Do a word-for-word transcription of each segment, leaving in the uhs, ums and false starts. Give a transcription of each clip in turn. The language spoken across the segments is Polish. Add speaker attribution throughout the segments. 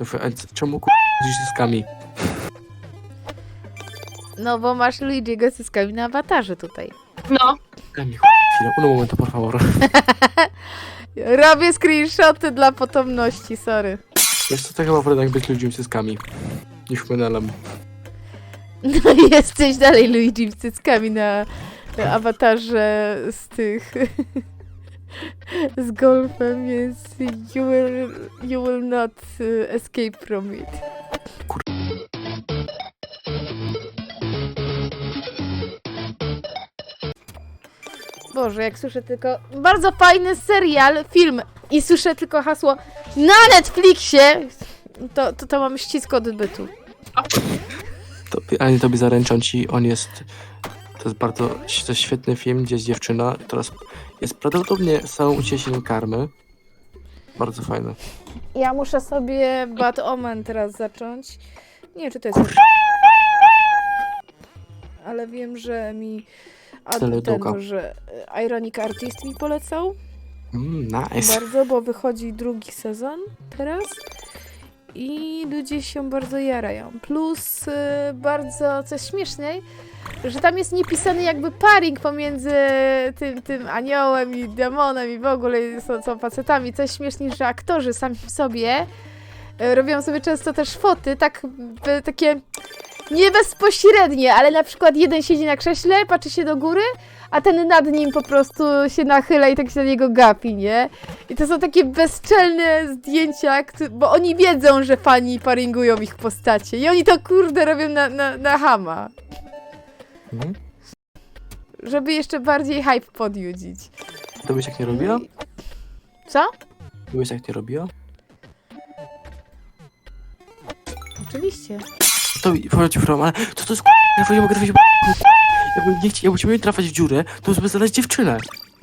Speaker 1: A czemu k***dzisz zyskami?
Speaker 2: No bo masz Luigi'ego z cyckami na awatarze tutaj.
Speaker 3: No.
Speaker 1: Daj mi chwilę, un momento, por favor.
Speaker 2: Robię screenshoty dla potomności, sorry.
Speaker 1: Wiesz co, to chyba wolę tak być ludźmi z cyckami niż menelem.
Speaker 2: No jesteś dalej Luigi z cyckami na awatarze z tych... z golfem, więc you will, you will not uh, escape from it. Boże, jak słyszę tylko bardzo fajny serial, film i słyszę tylko hasło na Netflixie, to, to, to mam ścisk odbytu.
Speaker 1: To, ale tobie zaręczam ci, on jest... To jest bardzo to jest świetny film, gdzie jest dziewczyna, teraz jest prawdopodobnie samą ucieszeniem karmy. Bardzo fajne.
Speaker 2: Ja muszę sobie Bad Omen teraz zacząć. Nie wiem, czy to jest... Ale wiem, że mi... A ten, że Ironic Artist mi polecał.
Speaker 1: Mm, nice.
Speaker 2: Bardzo, bo wychodzi drugi sezon teraz. I ludzie się bardzo jarają. Plus y, bardzo, coś śmieszniej, że tam jest niepisany jakby paring pomiędzy tym, tym aniołem i demonem i w ogóle są, są facetami. Coś śmieszniej, że aktorzy sami w sobie y, robią sobie często też foty, tak y, takie nie bezpośrednie, ale na przykład jeden siedzi na krześle, patrzy się do góry, a ten nad nim po prostu się nachyla i tak się na niego gapi, nie? I to są takie bezczelne zdjęcia, bo oni wiedzą, że fani paringują ich postacie. I oni to kurde robią na, na, na chama.
Speaker 1: Mhm.
Speaker 2: Żeby jeszcze bardziej hype podjudzić.
Speaker 1: To byś tak nie robiła?
Speaker 2: Co?
Speaker 1: To byś tak nie robiła?
Speaker 2: Oczywiście.
Speaker 1: To chodzi from, ale to to jest k***a, ja nie mogę trafić. Jakby nie chciał, jakbyśmy mieli trafiać w dziurę, to żeby znaleźć dziewczynę.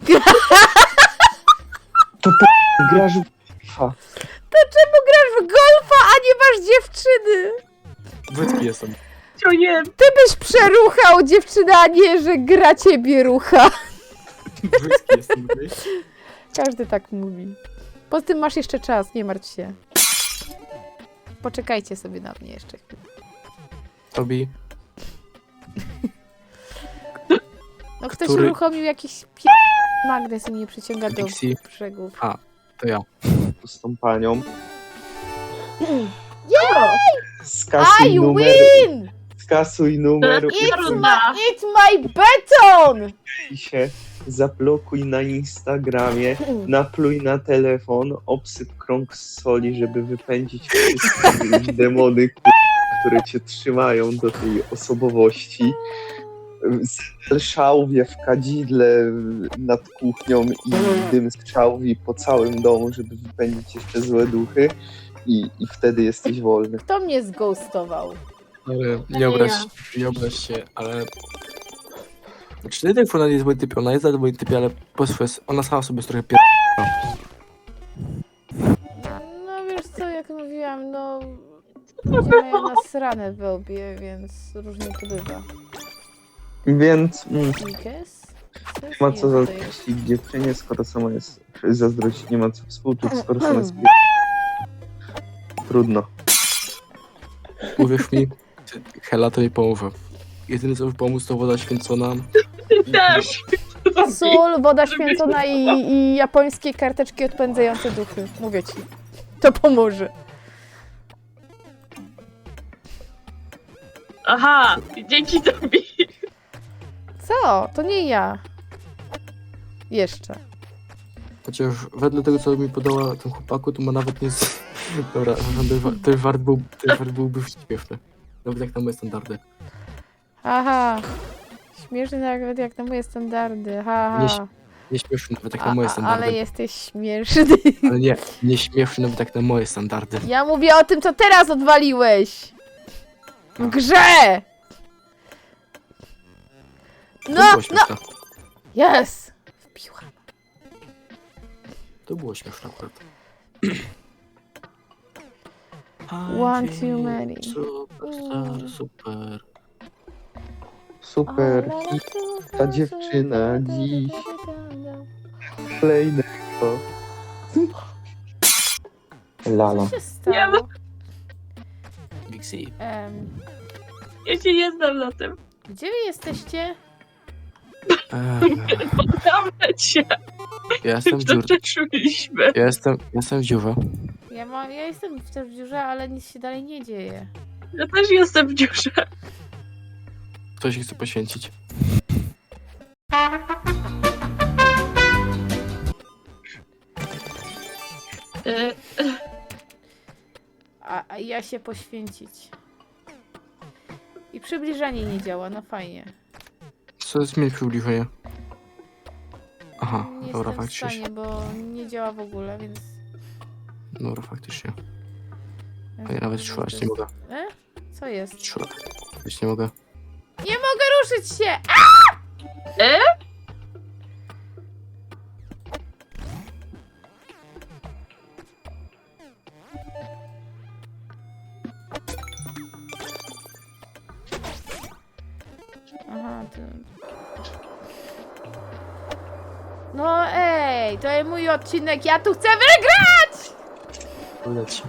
Speaker 4: To po... grasz w FIFA.
Speaker 2: To czemu grasz w golfa, a nie masz dziewczyny?
Speaker 1: Błyski jestem.
Speaker 3: O nie.
Speaker 2: Ty byś przeruchał dziewczynę, a nie, że gra ciebie rucha.
Speaker 1: Błyski jestem.
Speaker 2: Każdy tak mówi. Poza tym masz jeszcze czas, nie martw się. Poczekajcie sobie na mnie jeszcze chwilę.
Speaker 1: Tobi.
Speaker 2: No ktoś
Speaker 1: Który-
Speaker 2: uruchomił jakiś p... magnes i mnie przyciąga do
Speaker 1: Dixie.
Speaker 2: brzegów.
Speaker 1: A, to ja.
Speaker 4: Z tą panią.
Speaker 2: Jej!
Speaker 4: Skasuj
Speaker 2: I
Speaker 4: numer.
Speaker 2: win!
Speaker 4: Skasuj numer.
Speaker 2: It's my, it's my beton!
Speaker 4: I się zablokuj na Instagramie. Napluj na telefon. Obsyp krąg z soli, żeby wypędzić wszystkie demony, k- które cię trzymają do tej osobowości. Zapal szałwię w kadzidle nad kuchnią i dym z szałwi po całym domu, żeby wypędzić jeszcze złe duchy i, i wtedy jesteś wolny.
Speaker 2: Kto mnie zghostował?
Speaker 1: Ale nie obraź, nie obraź się, ale... Znaczy, nie tak ona jest moim typie, ona jest za moim typie, ale po swojej... Ona sama sobie jest trochę pier...
Speaker 2: No wiesz co, jak mówiłam, no... Ludzie mają nasrane w łbie, więc różnie to bywa.
Speaker 4: Więc mm,
Speaker 2: Nikes?
Speaker 4: nie ma co zazdrościć dziewczynie, skoro sama jest... Zazdrościć nie ma co współczuć, skoro sama jest... Trudno.
Speaker 1: Uwierz mi, Hela to nie pomoże. Jedyne co mi pomóc to woda święcona.
Speaker 3: Też.
Speaker 2: Sól, woda święcona i, i japońskie karteczki odpędzające duchy. Mówię ci. To pomoże.
Speaker 3: Aha, dzięki tobie.
Speaker 2: Co? To nie ja. Jeszcze.
Speaker 1: Chociaż wedle tego co mi podała ten chłopaku, to ma nawet nie... Z... Dobra, ten wart był, ten wart byłby śmieszny. Nawet jak na moje standardy.
Speaker 2: Aha. Śmieszny nawet jak na moje standardy. Ha,
Speaker 1: Nie,
Speaker 2: ha.
Speaker 1: nie śmieszny nawet jak
Speaker 2: A,
Speaker 1: na moje
Speaker 2: a,
Speaker 1: standardy.
Speaker 2: ale jesteś śmieszny.
Speaker 1: Ale nie, nie śmieszny nawet jak na moje standardy.
Speaker 2: Ja mówię o tym, co teraz odwaliłeś. W grze!
Speaker 1: To
Speaker 2: No,
Speaker 1: było
Speaker 2: no!
Speaker 1: śmieszne.
Speaker 2: Yes! Wbiłam.
Speaker 1: To było śmieszne akurat.
Speaker 2: One too many.
Speaker 1: Super, super.
Speaker 4: Super. I ta dziewczyna dziś kolejnego. Lala.
Speaker 2: Co się stało?
Speaker 3: Nie, no.
Speaker 1: Wixie.
Speaker 2: Em,
Speaker 3: Ja się nie znam na tym.
Speaker 2: gdzie wy jesteście?
Speaker 1: Eee,
Speaker 3: Poddamy cię.
Speaker 1: ja jestem w
Speaker 3: To
Speaker 1: dziurze.
Speaker 3: przeczuliśmy.
Speaker 1: Ja jestem, jestem w dziurze.
Speaker 2: Ja, mam, ja jestem w tej dziurze, ale nic się dalej nie dzieje.
Speaker 3: Ja też jestem w dziurze.
Speaker 1: Ktoś się chce poświęcić.
Speaker 3: E,
Speaker 2: A, a ja się poświęcić. I przybliżanie nie działa, no fajnie.
Speaker 1: Co jest mieć przybliżenie? Aha,
Speaker 2: Nie
Speaker 1: dobra,
Speaker 2: jestem w
Speaker 1: faktycznie.
Speaker 2: stanie, bo nie działa w ogóle, więc...
Speaker 1: Dobra, faktycznie.
Speaker 2: więc
Speaker 1: A ja nawet
Speaker 2: to
Speaker 1: szłać
Speaker 2: jest-
Speaker 1: nie mogę.
Speaker 2: E? Co jest?
Speaker 1: Szłać nie mogę.
Speaker 2: Nie mogę ruszyć się!
Speaker 3: e?
Speaker 2: Aha, to... No ej, to jest mój odcinek, ja tu chcę wygrać!
Speaker 1: Leci.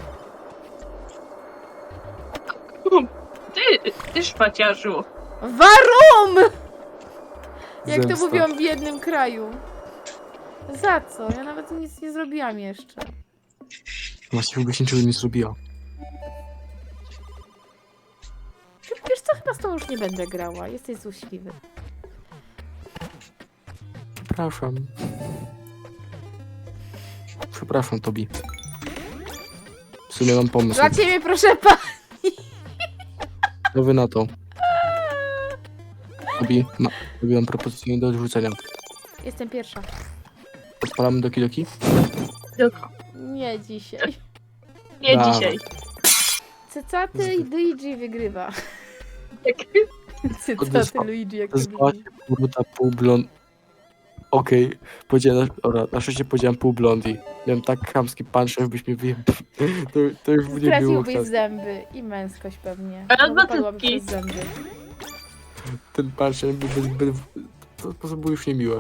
Speaker 3: Ty, ty szpaciarzu.
Speaker 2: Warum! Jak to
Speaker 1: Zemsta.
Speaker 2: mówią w jednym kraju. Za co? Ja nawet nic nie zrobiłam jeszcze.
Speaker 1: Właśnie w ogóle się niczego nie zrobiła.
Speaker 2: Wiesz co, chyba z tą już nie będę grała. Jesteś złośliwy.
Speaker 1: Przepraszam. Przepraszam, Tobi. W sumie mam pomysł.
Speaker 2: Dla ciebie, proszę pa...
Speaker 1: Co wy na to? Tobi, ma, Tobi mam propozycję do odrzucenia.
Speaker 2: Jestem pierwsza.
Speaker 1: Odpalamy Doki Doki?
Speaker 3: Tylko.
Speaker 2: Nie dzisiaj.
Speaker 3: Nie
Speaker 1: Dawaj.
Speaker 3: dzisiaj.
Speaker 2: Cycaty i Luigi wygrywa.
Speaker 3: Tak.
Speaker 2: Cycaty
Speaker 1: Odesła-
Speaker 2: Luigi, jak
Speaker 1: Nazwała
Speaker 2: to
Speaker 1: się Boruta pół blond... Okej, powiedziałem, ora, na szczęście powiedziałem pół blondi. Miałem tak chamski punch, żebyś mnie wyjebał. To, to już nie było
Speaker 2: Straciłbyś
Speaker 1: chętne.
Speaker 2: zęby i męskość pewnie.
Speaker 3: Ale
Speaker 2: Bo
Speaker 3: dwa
Speaker 2: wypadłaby
Speaker 3: cycki.
Speaker 2: przez zęby.
Speaker 1: Ten punch był bez, bez, to po prostu było już niemiłe.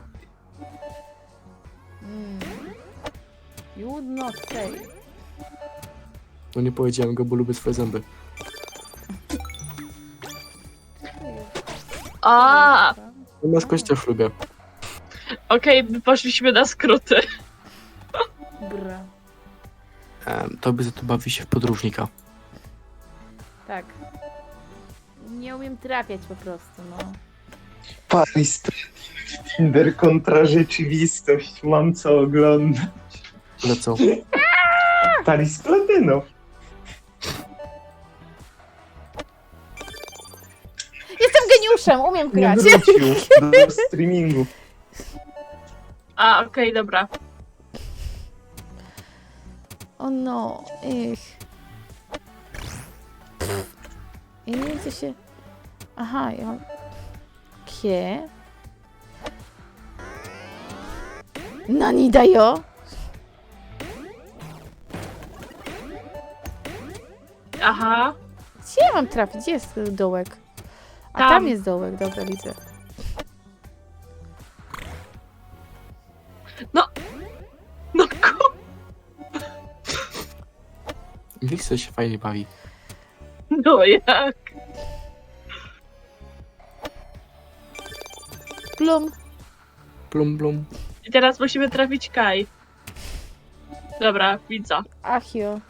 Speaker 2: Mm. You would not say.
Speaker 1: No nie powiedziałem go, bo lubię swoje zęby.
Speaker 3: A,
Speaker 1: No męskość też lubię.
Speaker 3: okej, my poszliśmy na skróty.
Speaker 2: Bra.
Speaker 1: Um, Tobie za to bawi się w podróżnika.
Speaker 2: Tak. Nie umiem trafiać po prostu, no.
Speaker 4: Paris Tinder kontra rzeczywistość. Mam co oglądać.
Speaker 1: Ale co?
Speaker 4: Paris Platyno.
Speaker 2: Jestem geniuszem, umiem
Speaker 4: Nie
Speaker 2: grać.
Speaker 4: wrócił do streamingu.
Speaker 3: A, okej, dobra.
Speaker 2: O no, ich. Ja nie wiem co się... Aha, ja mam... Kie? Nani da yo?
Speaker 3: Aha.
Speaker 2: Gdzie ja mam trafić? Gdzie jest dołek? A tam,
Speaker 3: Tam.
Speaker 2: jest dołek, dobra, widzę.
Speaker 3: No ku...
Speaker 1: Wixie się fajnie bawi.
Speaker 3: No jak?
Speaker 2: Plum.
Speaker 1: Blum, blum.
Speaker 3: I teraz musimy trafić Kaj. Dobra, widzę.
Speaker 2: Achio.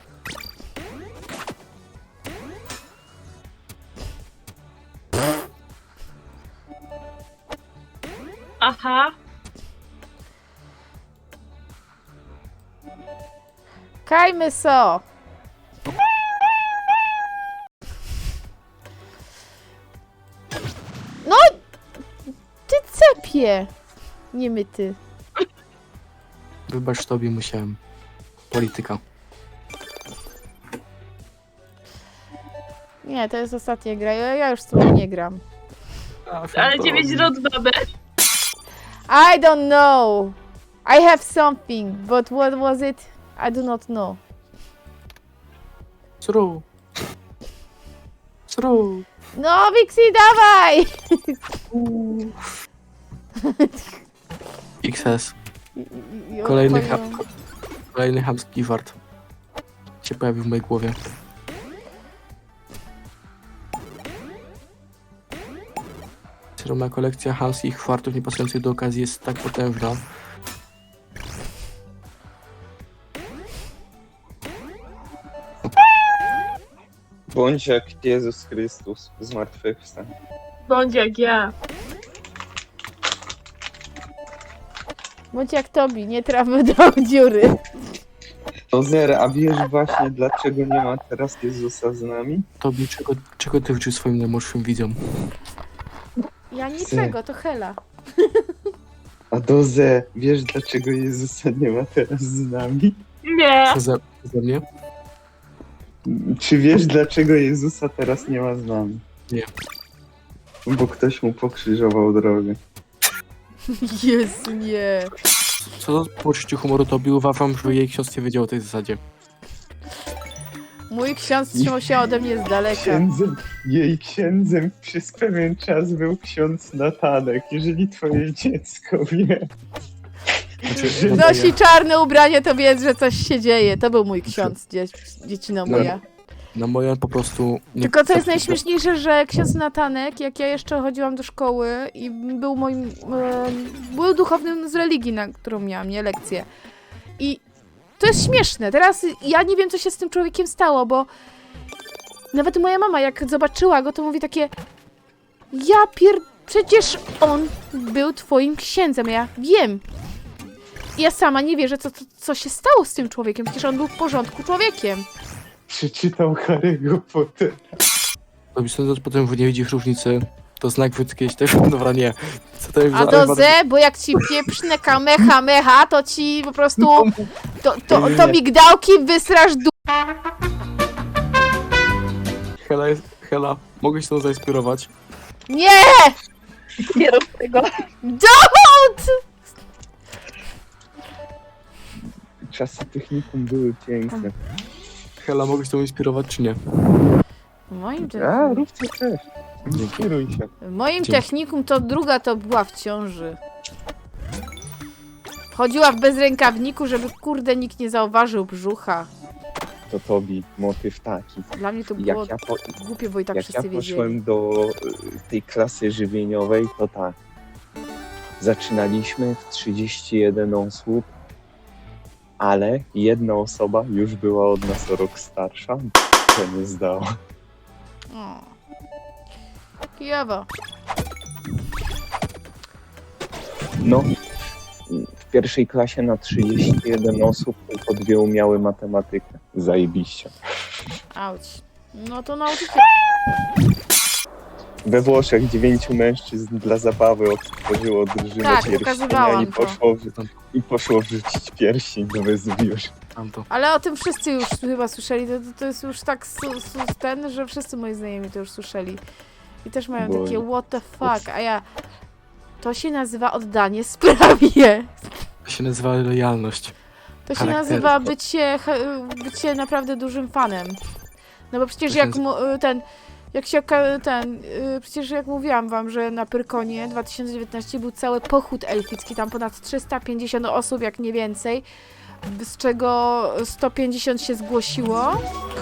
Speaker 3: Aha.
Speaker 2: Kajmy so. No! Ty cepie! Nie my ty.
Speaker 1: Wybacz, Tobie musiałem. Polityka.
Speaker 2: Nie, to jest ostatnia gra. Ja, ja już z tobą nie gram.
Speaker 3: Ale dziewięć rund mamy.
Speaker 2: I don't know. I have something, but what was it? I do not know.
Speaker 1: Sru. Sru.
Speaker 2: No, Wixie, dawaj!
Speaker 1: X S.
Speaker 2: I- i-
Speaker 1: Kolejny
Speaker 2: odpowiem.
Speaker 1: hap. Kolejny chamski wart się pojawił w mojej głowie. ogromna kolekcja hamskich chwartów niepasujących do okazji jest tak potężna.
Speaker 4: Bądź jak Jezus Chrystus zmartwychwstał.
Speaker 3: Bądź jak ja.
Speaker 2: Bądź jak Tobi, nie trafmy do dziury.
Speaker 4: To zero, a wiesz właśnie dlaczego nie ma teraz Jezusa z nami?
Speaker 1: Tobie, czego, czego ty wrócił swoim najmłodszym widzom?
Speaker 2: Ja niczego, to Hela.
Speaker 4: A Doze, wiesz dlaczego Jezusa nie ma teraz z nami?
Speaker 3: Nie.
Speaker 1: Co za, za mnie?
Speaker 4: Czy wiesz dlaczego Jezusa teraz nie ma z nami?
Speaker 1: Nie.
Speaker 4: Bo ktoś mu pokrzyżował drogę.
Speaker 2: Jezu, nie.
Speaker 1: Co do poczuciu humoru Tobi, uważam, że jej ksiądz nie wiedział o tej zasadzie.
Speaker 2: Mój ksiądz trzymał się ode mnie z daleka.
Speaker 4: Księdzem, jej księdzem przez pewien czas był ksiądz Natanek. Jeżeli twoje dziecko wie,
Speaker 1: Znaczy,
Speaker 2: Nosi czarne ubranie, to wiedz, że coś się dzieje. To był mój ksiądz, dzie dziecina moja.
Speaker 1: na moje po prostu... Nie
Speaker 2: Tylko co jest najśmieszniejsze, że ksiądz Natanek, jak ja jeszcze chodziłam do szkoły i był moim... E, był duchownym z religii, na którą miałam, nie? Lekcję. I to jest śmieszne. Teraz ja nie wiem, co się z tym człowiekiem stało, bo nawet moja mama, jak zobaczyła go, to mówi takie: ja pier... przecież on był twoim księdzem. Ja wiem. Ja sama nie wierzę, co, co, co się stało z tym człowiekiem. Przecież on był w porządku człowiekiem.
Speaker 4: przeczytał Harry'ego Pottera.
Speaker 1: Tobi, sądząc potem, że nie widzisz różnicy, to znak wód kiedyś też... Dobra, nie. Co to jest
Speaker 2: A
Speaker 1: za-
Speaker 2: do ze, bo jak ci pieprzne kamecha mecha, to ci po prostu... To, to, to migdałki wysrasz du...
Speaker 1: Hela, jest... Hela, mogę się to zainspirować?
Speaker 2: Nie!
Speaker 3: Nie rób tego.
Speaker 2: Don't!
Speaker 4: Czasy technikum były piękne.
Speaker 1: Hela, mogę się to inspirować, czy nie?
Speaker 2: W moim,
Speaker 4: A,
Speaker 2: te...
Speaker 4: rób co chcesz. Inspiruj się.
Speaker 2: w moim
Speaker 1: Dzięki.
Speaker 2: technikum to druga to była w ciąży. Chodziła w bezrękawniku, żeby kurde nikt nie zauważył brzucha.
Speaker 4: To Tobi, motyw taki.
Speaker 2: Dla mnie to było
Speaker 4: Jak ja, po,
Speaker 2: głupie, bo i tak
Speaker 4: jak ja
Speaker 2: wszyscy wiedzieli.
Speaker 4: poszłem do y, tej klasy żywieniowej, to tak. Zaczynaliśmy w trzydzieści jeden osób, ale jedna osoba już była od nas o rok starsza, to nie zdała.
Speaker 2: O. Kijowo.
Speaker 4: No, w pierwszej klasie na trzydzieści jeden osób tylko dwie umiały matematykę. Zajebiście.
Speaker 2: Auć. No to nauczyciel.
Speaker 4: We Włoszech dziewięciu mężczyzn dla zabawy otworzyło drużynę
Speaker 2: Tak,
Speaker 4: pierścienia
Speaker 2: pokazywałam
Speaker 4: i
Speaker 2: to.
Speaker 4: poszło, w, i poszło wrzucić pierścień do Wezuwiusza.
Speaker 1: Tamto.
Speaker 2: Ale o tym wszyscy już chyba słyszeli. To, to, to jest już tak su, su, ten, że wszyscy moi znajomi to już słyszeli. I też mają
Speaker 4: Bo-
Speaker 2: takie what the fuck, a ja... To się nazywa oddanie sprawie.
Speaker 1: To się nazywa lojalność.
Speaker 2: To się
Speaker 1: Charaktery.
Speaker 2: nazywa bycie, he- bycie naprawdę dużym fanem. No bo przecież
Speaker 1: To się
Speaker 2: jak
Speaker 1: nazywa-
Speaker 2: mu, ten... Jak się oka- ten... y, Przecież jak mówiłam wam, że na Pyrkonie dwa tysiące dziewiętnastym był cały pochód elficki, tam ponad trzysta pięćdziesiąt osób, jak nie więcej, z czego sto pięćdziesiąt się zgłosiło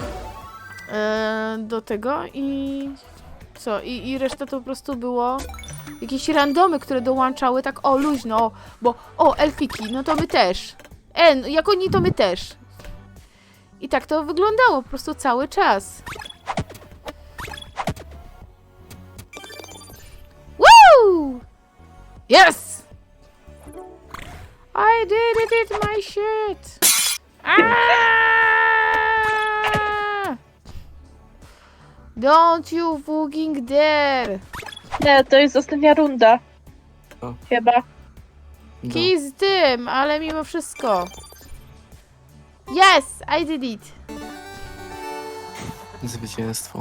Speaker 2: e, do tego i co? I, I reszta to po prostu było jakieś randomy, które dołączały tak o luźno, bo o elfiki, no to my też. E, no, jak oni to my też. I tak to wyglądało po prostu cały czas. Woo! Yes! I did it, it's my shit! Ah! Don't you fucking dare!
Speaker 3: Nie, to jest ostatnia runda.
Speaker 1: O.
Speaker 3: Chyba.
Speaker 1: No.
Speaker 2: Kij z tym, ale mimo wszystko. Yes, I did it.
Speaker 1: Zwycięstwo.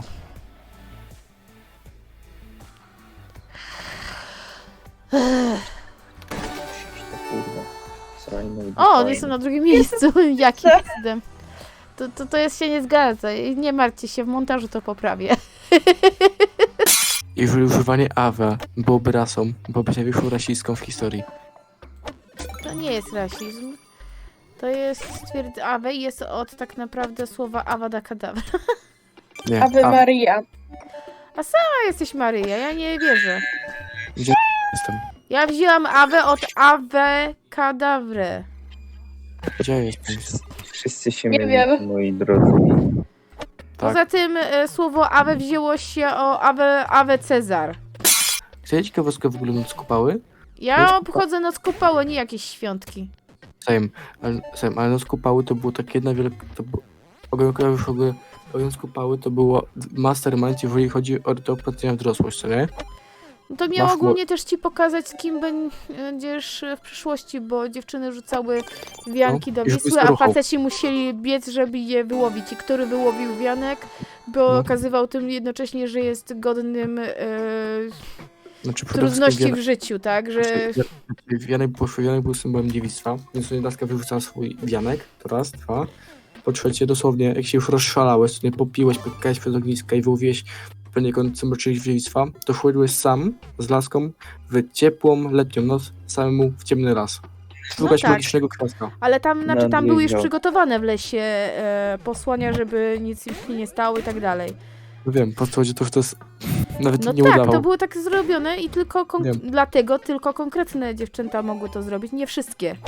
Speaker 4: Kurwa, srajno i
Speaker 2: O, on
Speaker 4: fajno.
Speaker 2: jest na drugim miejscu. Jakim cudem? To, to, to jest się nie zgadza. Nie martwcie się, w montażu to poprawię.
Speaker 1: Jeżeli używanie awe byłoby rasą, byłoby największą rasistką w historii.
Speaker 2: To nie jest rasizm. To jest stwierd... Awe i jest od tak naprawdę słowa Avada Kedavra.
Speaker 1: Nie,
Speaker 3: Ave
Speaker 1: a-
Speaker 3: Maria.
Speaker 2: A jesteś Maryja, ja nie wierzę.
Speaker 1: Gdzie jestem?
Speaker 2: Ja wzięłam Awę od Awe Kadawry.
Speaker 1: Gdzie jestem?
Speaker 4: Wszyscy się
Speaker 3: Nie
Speaker 4: mylicie,
Speaker 3: wiem.
Speaker 4: moi drodzy.
Speaker 1: Tak.
Speaker 2: Poza tym e, słowo Awe wzięło się o Awe, Awe Cezar.
Speaker 1: Chcecie ciekawostkę w ogóle noc kupały?
Speaker 2: Ja
Speaker 1: Noc
Speaker 2: obchodzę noc kupały, nie jakieś świątki.
Speaker 1: Same. Ale, same. Ale noc kupały to było takie jedna wielka... To było... Ogień w ogóle... Ogień kupały to było mastermind, jeżeli chodzi o rytuał wprowadzenia w dorosłość, co nie?
Speaker 2: No to miało
Speaker 1: Masz mo-
Speaker 2: ogólnie też ci pokazać, z kim będziesz w przyszłości, bo dziewczyny rzucały wianki do
Speaker 1: No, i żeby
Speaker 2: Wisły, a
Speaker 1: staruchał.
Speaker 2: faceci musieli biec, żeby je wyłowić. I który wyłowił wianek, bo
Speaker 1: No.
Speaker 2: okazywał tym jednocześnie, że jest godnym e,
Speaker 1: Znaczy, przede
Speaker 2: trudności
Speaker 1: wszystkim
Speaker 2: w życiu, tak? Że
Speaker 1: Znaczy, Wianek był, Wianek był symbolem dziewictwa, więc sobie laska wyrzucała swój wianek, to raz, dwa. Po trzecie, dosłownie, jak się już rozszalałeś, sobie popiłeś, pykałeś przed ogniska i wyłowiłeś poniekąd symbol dziewictwa, to szedłeś sam z laską w ciepłą, letnią noc, samemu w ciemny las. Szukać
Speaker 2: tak.
Speaker 1: magicznego kwiatka.
Speaker 2: Ale tam, znaczy, tam były już
Speaker 4: Nadjeżdżał.
Speaker 2: przygotowane w lesie e, posłania, żeby nic im się nie stało i tak dalej.
Speaker 1: No wiem, po prostu chodzi to, że to jest... Nawet
Speaker 2: No
Speaker 1: nie
Speaker 2: tak,
Speaker 1: udawał.
Speaker 2: to było tak zrobione i tylko kon-
Speaker 1: Wiem.
Speaker 2: dlatego tylko konkretne dziewczęta mogły to zrobić, nie wszystkie.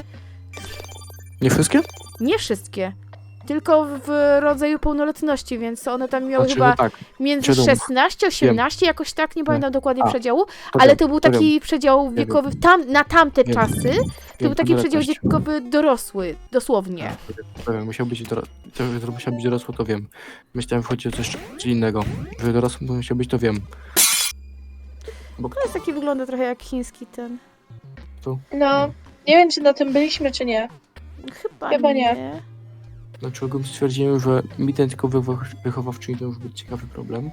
Speaker 1: Nie wszystkie?
Speaker 2: Nie wszystkie. Tylko w rodzaju pełnoletności, więc one tam miały
Speaker 1: Znaczy,
Speaker 2: chyba
Speaker 1: no tak,
Speaker 2: między
Speaker 1: wiadomo.
Speaker 2: szesnaście a osiemnaście, jakoś tak, nie pamiętam dokładnie
Speaker 1: A,
Speaker 2: przedziału,
Speaker 1: to
Speaker 2: ale
Speaker 1: wiem,
Speaker 2: to był
Speaker 1: to
Speaker 2: taki przedział
Speaker 1: wiem.
Speaker 2: wiekowy, tam, na tamte
Speaker 1: Wiem.
Speaker 2: czasy, to
Speaker 1: wiem,
Speaker 2: był taki przedział
Speaker 1: pełnoletność.
Speaker 2: wiekowy dorosły, dosłownie.
Speaker 1: To wiem, musiał być, doro... to, że musiał być dorosły, to wiem. Myślałem, że chodzi o coś coś innego. Że dorosły musiał być, to wiem.
Speaker 2: To jest taki, wygląda trochę jak chiński ten.
Speaker 3: No, nie wiem, czy na tym byliśmy, czy nie.
Speaker 2: Chyba,
Speaker 3: Chyba nie.
Speaker 2: nie.
Speaker 1: Znaczy ogólnie stwierdziłem, że mi ten tylko wychow- wychowawczyni to już być ciekawy problem.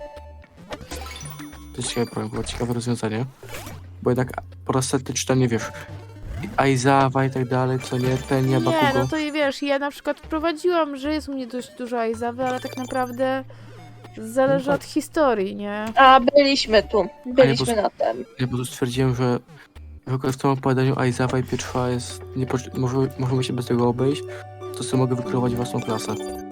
Speaker 1: To jest ciekawy problem, było ciekawe rozwiązanie. Bo jednak po raz setny czytanie, wiesz, Aizawa i tak dalej, co nie, Tenia,
Speaker 2: Nie,
Speaker 1: Bakugo.
Speaker 2: no to i wiesz, ja na przykład wprowadziłam, że jest u mnie dość dużo Aizawy, ale tak naprawdę zależy
Speaker 1: No tak.
Speaker 2: od historii, nie?
Speaker 3: A, byliśmy tu. Byliśmy
Speaker 1: po-
Speaker 3: na tym.
Speaker 1: Ja po prostu stwierdziłem, że w ogóle w tym opowiadaniu Aizawa i Pietrwa jest, nie, potrze- może, możemy się bez tego obejść, to sobie mogę wykreować własną klasę.